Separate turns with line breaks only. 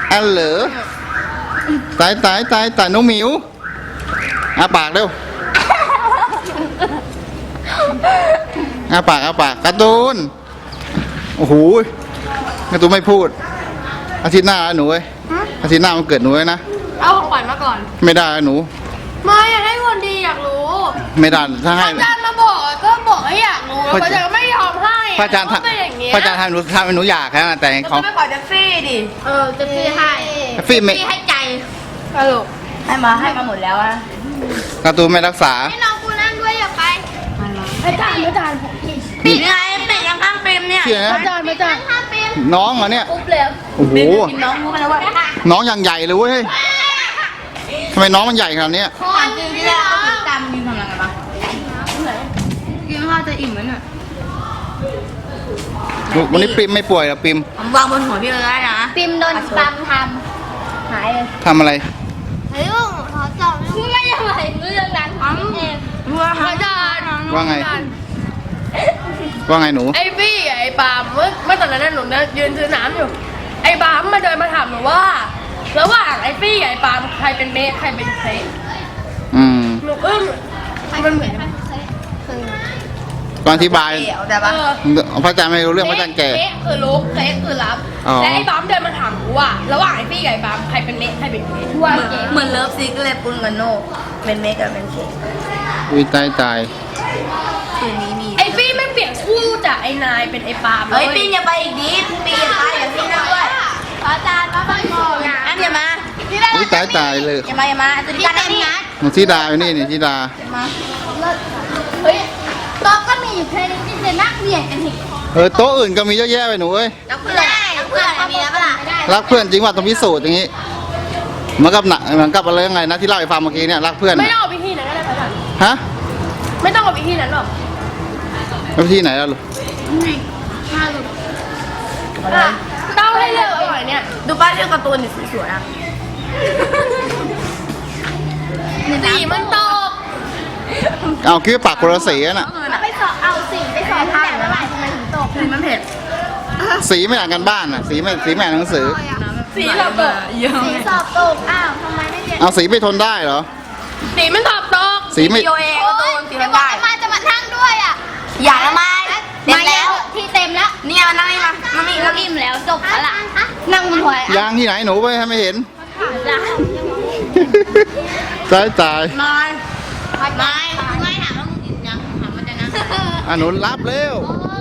อันเหรอตายน้องหมิวอาปากเร็วอาปากการ์ตูนโอ้โหการ์ตูนไม่พูดอาทิตย์หน้าหนูเว้ยอาทิตย์หน้ามันเกิดหนูเลยนะ
เอาของขวัญมาก่อน
ไม่ได้หนู
ไม่อยากให้คนดีอยากรู้
ไม่ได้ถ้าให้
อาจารย์มาบอกก็บอกให้อยากรู้แล้วอาจารย์ก็ไม่ยอมให้
พระอาจารย์
ก็เป็นอย่างเงี้ย
ทำให้หนูอยากนะแต่ของ
ไม่ขอจะฟรีดิจะฟรีให้
ฟรีไม่
ให้ใจสรุปให้มาหมดแล้วอะ
การ์ตูนไม่รักษา
ให้น้องกูนั่งด้วยอย่าไปอาจารย์ปิดไงปิดยังข้างปิมเนี่ย
เชื่อนะ
อาจารย์ข้างปิม
น้องเหรอเนี่ย
ปุ๊บเลย
โอ้โห
กินน้องรู้กันแล้วว่า
น้องอย่างใหญ่เลยเว้ยทำไมน้องมันใหญ่ขนาดนี้
คอนจริงๆแล้วตามกินทำอะไรกันบ้างกินข้าวจะอิ่มไหมเนี่ย
วันนี้ปิมไม่ป่วยเหรอปิม
ผมวางบนหัวพี่เลยได้นะ
ปิมโดนปั๊มทำหายเลย
ทำอะไร
เฮ้ยลูกขอจับไม่ยังไงเรื่องนั้นเอง
อาจารย์
ว่าไง ว่าไงหนู
ไอ้พี่ไอ้ปาล์มเมื่อตอนนั้นหนูยืนซื้อน้ำอยู่ ไอ้ปาล์มมาเดินมาถามหนูว่า ระหว่างไอ้พี่กับไอ้ปาล์มใครเป็นเบสใครเป็นเซฟ
อืม
หนูอึ้งมันเหมือน
ตอนอธิบาย
แต่ว่า
พระอาจารย์ไม่รู้เรื่องพระอาจารย์แก่
เบสคือลุกเซฟคือรับ
อ๋อ
และไอ้ปาล์มเดินมาถามหนูว่า ระหว่างไอ้พี่กับไอ้ปาล์มใครเป็นเบสใครเป็นเบส
เหมือนเลิฟซิกเลยปุนกับโนเป็นเมกกับเป็นเคก
อุ้ยตาย
คืนนี้มี
ไอ้พี่ไม่เปลี่ยนคู่จากไอ้นายเป็นไอ้ปาล์ม
เฮ้ยปีนอย่าไปอีกดิปีนอย่าไปอย่าปีนนะด้วย
อาจารย์มาฟังก่อนนะ
อันอย่ามา
อุ้ยตายเลย
อย่ามาจะดีกันนะนี่
หนูธิดาอยู่นี่ธิดา
มา
เฮ้ยโต๊ะก็มีอยู่แค่นี้ที่จะนั่งเบียดกันอีก
โต๊ะอื่นก็มีเยอะแยะไปหนูเอ้ย
แล้วเพื่อนมีแล้วปะล่ะ
รักเพื่อนจริงว่าต้องพิสูจน์อย่างนี้เหมือนกับหนักเหมือนกับอะไรยังไงนะที่เล่าให้ฟังเมื่อกี้เนี่ยรักเพื่อน
ไม่ต้องเอาไปที่นั้นก็ได้พระอาจารย์
ฮะ
ไม่ต้องเอาไปที่นั้นหรอก
แล้วที่ไหนล่ะลูก
เต้าให้เลือกอร่อยเนี่ย
ดูป้าเรื่องการ์ตูนสวยๆอ่ะ
สีมันตก
เอาคิดว่าปากคนละสีน่ะ
ไปสอบเอาสิ่งไปสอบทางแล้วทำไมถึงตก
คือมันเผ็ด
สีไม่อ่านกันบ้านน่ะสีไม่อ่านหนังสือ
สีเราตก
เยอะ
สีสอบตกอ้าวทำไมไม่เรียน
เอาสีไม่ทนได้เหรอ
สีมันตอบตก
สีไม่
โยเองการ์ตูนสี
เดี๋ยว
น้ำ
บอก
ได้
มาจะมานั่งด้วยอ่ะ
อย่าละไม้เต็มแล้ว
ที่เต็มแล้ว
เนี่ยมันนั่งนี่มามันมี
เราอิ่มแล้วจบแล้วล่ะนั่งบนหัวย
างที่ไหนหนูไปให้ไม่เห็น ตาย
ไม้ถามว่ามึงอิ่มยังถามว่าจะนั่ง
อ่ะหนูรับเร็ว
โอ้